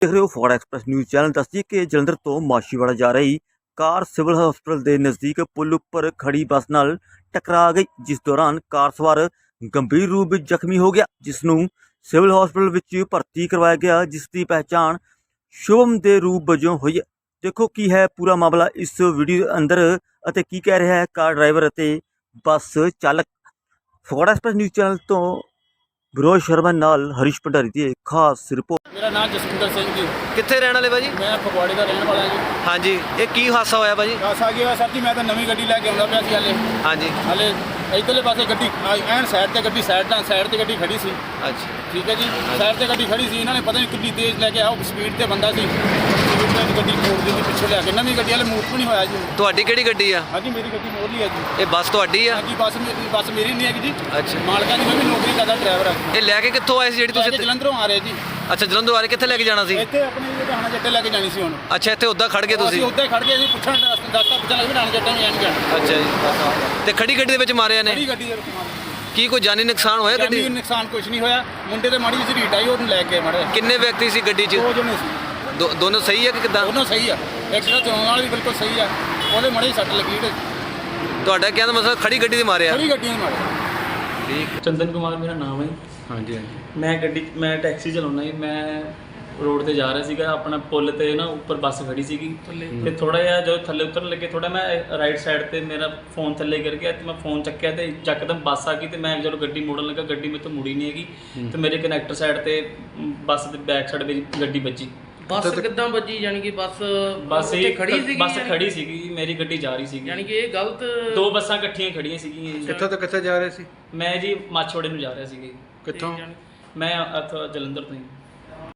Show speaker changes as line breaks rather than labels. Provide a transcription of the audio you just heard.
देख रहे हो फॉर एक्सप्रेस न्यूज़ चैनल। दस्सिए कि जलंधर तो माछीवाड़ा जा रही कार सिविल हॉस्पिटल के नज़दीक पुल उपर खड़ी बस नाल टकरा गई, जिस दौरान कार सवार गंभीर रूप विच जख्मी हो गया, जिसनूं सिविल हॉस्पिटल विच भर्ती करवाया गया, जिसकी पहचान शुभम के रूप वजों हुई है। देखो की है पूरा मामला इस वीडियो अंदर अते की कह रहा है कार ड्राइवर अते बस चालक। फॉर एक्सप्रेस न्यूज़ चैनल तो विरोध शर्मा नाल हरीश भंडारी की खास रिपोर्ट।
मेरा नाम जसविंदर सिंह जी।
कित्थे रहने वाले भाजी?
मैं फगवाड़े का रहने वाला जी।
हाँ जी, ये की हादसा होया भाजी?
दस आ गया सर जी, मैं तो नवी गड्डी लैके आउंदा पिया सी हाले।
हाँ जी,
हाले इधरले पासे गड्डी एन साइड ते गड्डी साइड ते गड्डी खड़ी सी।
अच्छा
ठीक है जी, साइड ते गड्डी खड़ी सी, इन्होंने पता नहीं कितनी तेज लैके आओ स्पीड ते बंदा सी, स्पीड ते गड्डी मोड़ दी पिछे लैके। नवी गड्डी वाले मूव भी नहीं होया जी।
ਤੁਹਾਡੀ ਕਿਹੜੀ ਗੱਡੀ ਆ?
हाँ जी, मेरी गड्डी मोड़ ली है जी।
ਇਹ ਬੱਸ ਤੁਹਾਡੀ ਆ?
हाँ जी, बस मेरी नहीं है जी।
अच्छा,
मालका की मैं भी नौकरी करता ड्राइवर है।
ਇਹ ਲੈ ਕੇ ਕਿੱਥੋਂ ਆਏ ਸੀ ਜਿਹੜੀ ਤੁਸੀਂ?
जलंधरों आ रहे जी।
ਅੱਛਾ, ਜਲੰਧਰ ਵਾਲੇ ਕਿੱਥੇ ਲੈ ਕੇ ਜਾਣਾ ਸੀ?
ਇੱਥੇ ਆਪਣੇ ਜਿਹੜੇ ਹਣਾ ਜੱਟੇ ਲੈ ਕੇ ਜਾਣੀ ਸੀ ਹੁਣ।
ਅੱਛਾ, ਇੱਥੇ ਉੱਦਾਂ ਖੜ ਗਏ
ਅਸੀਂ
ਤੁਸੀਂ?
ਉੱਤੇ ਖੜ ਗਏ ਸੀ, ਪੁੱਛਣ ਦੱਸਤਾ ਪੁੱਛਣ ਲੱਗੇ ਹਣਾ ਜੱਟੇ ਨੂੰ ਜਾਣ।
ਅੱਛਾ ਜੀ, ਤੇ ਖੜੀ ਗੱਡੀ ਦੇ ਵਿੱਚ ਮਾਰਿਆ ਨੇ?
ਕਿਹੜੀ ਗੱਡੀ ਦੇ ਵਿੱਚ ਮਾਰੀ?
ਕੀ ਕੋਈ ਜਾਨੀ ਨੁਕਸਾਨ ਹੋਇਆ ਗੱਡੀ?
ਜਾਨੀ ਨੁਕਸਾਨ ਕੁਝ ਨਹੀਂ ਹੋਇਆ। ਮੁੰਡੇ ਤੇ ਮਾੜੀ ਜਿਹੀ ਢੀਟ ਆਈ, ਉਹਨੂੰ ਲੈ ਕੇ ਮਾਰੇ।
ਕਿੰਨੇ ਵਿਅਕਤੀ ਸੀ ਗੱਡੀ 'ਚ?
ਦੋ ਜਣੇ ਸੀ।
ਦੋਨੋਂ ਸਹੀ ਹੈ ਕਿ ਕਿੱਦਾਂ?
ਦੋਨੋਂ ਸਹੀ ਆ। ਐਕਸੀਡੈਂਟ ਚਲਾਉਣ ਵਾਲਾ ਵੀ ਬਿਲਕੁਲ ਸਹੀ ਆ, ਉਹਦੇ ਮਾੜੀ ਸੱਟ ਲੱਗੀ ਤੇ
ਤੁਹਾਡਾ ਕਹਿਣ ਦਾ ਮਤਲਬ ਖੜੀ ਗੱਡੀ ਦੇ ਮਾਰਿਆ?
ਖੜੀ ਗੱਡੀਆਂ ਨੇ ਮਾਰੇ।
ਠੀਕ।
ਚੰਦਨ ਕੁਮਾਰ ਮੇਰਾ ਨਾਮ ਹੈ।
ਹਾਂਜੀ
ਮੈਂ ਟੈਕਸੀ ਚਲਾਉਣਾ ਜੀ। ਮੈਂ ਰੋਡ ਤੇ ਜਾ ਰਿਹਾ ਸੀਗਾ, ਆਪਣਾ ਪੁੱਲ ਤੇ ਨਾ ਉੱਪਰ ਬੱਸ ਖੜੀ ਸੀਗੀ ਤੇ ਥੋੜਾ ਜਿਹਾ ਜਦੋਂ ਥੱਲੇ ਉਤਰਨ ਲੱਗੇ, ਥੋੜਾ ਮੈਂ ਰਾਈਟ ਸਾਈਡ ਤੇ ਮੇਰਾ ਫੋਨ ਥੱਲੇ ਗਿਰ ਗਿਆ ਤੇ ਮੈਂ ਫੋਨ ਚੱਕਿਆ ਤੇ ਯਕਦਮ ਬੱਸ ਆ ਗਈ ਤੇ ਮੈਂ ਜਦੋਂ ਗੱਡੀ ਮੋੜਨ ਲੱਗਾ, ਗੱਡੀ ਮੇਰੇ ਤੋਂ ਮੁੜੀ ਨਹੀਂ ਹੈਗੀ ਤੇ ਮੇਰੇ ਕਨੈਕਟਰ ਸਾਈਡ ਤੇ ਬੱਸ ਦੇ ਬੈਕ ਸਾਈਡ ਵਿੱਚ ਗੱਡੀ ਵੱਜੀ।
ਬੱਸ ਕਿੱਦਾਂ ਵੱਜੀ? ਯਾਨੀ ਕਿ ਬੱਸ
ਉੱਥੇ
ਖੜੀ ਸੀਗੀ?
ਬੱਸ ਖੜੀ ਸੀਗੀ, ਮੇਰੀ ਗੱਡੀ ਜਾ ਰਹੀ ਸੀਗੀ।
ਯਾਨੀ ਕਿ ਇਹ ਗਲਤ
ਦੋ ਬੱਸਾਂ ਇਕੱਠੀਆਂ ਖੜੀਆਂ ਸੀਗੀਆਂ ਜੀ।
ਕਿੱਥੋਂ ਤੋਂ ਕਿੱਥੇ ਜਾ ਰਹੇ ਸੀ?
ਮੈਂ ਜੀ ਮਾਛੋੜੇ ਨੂੰ ਜਾ ਰਿਹਾ ਸੀਗਾ ਜੀ।
ਕਿੱਥੋਂ?
ਮੈਂ ਇੱਥੋਂ ਜਲੰਧਰ ਤੋਂ ਜੀ।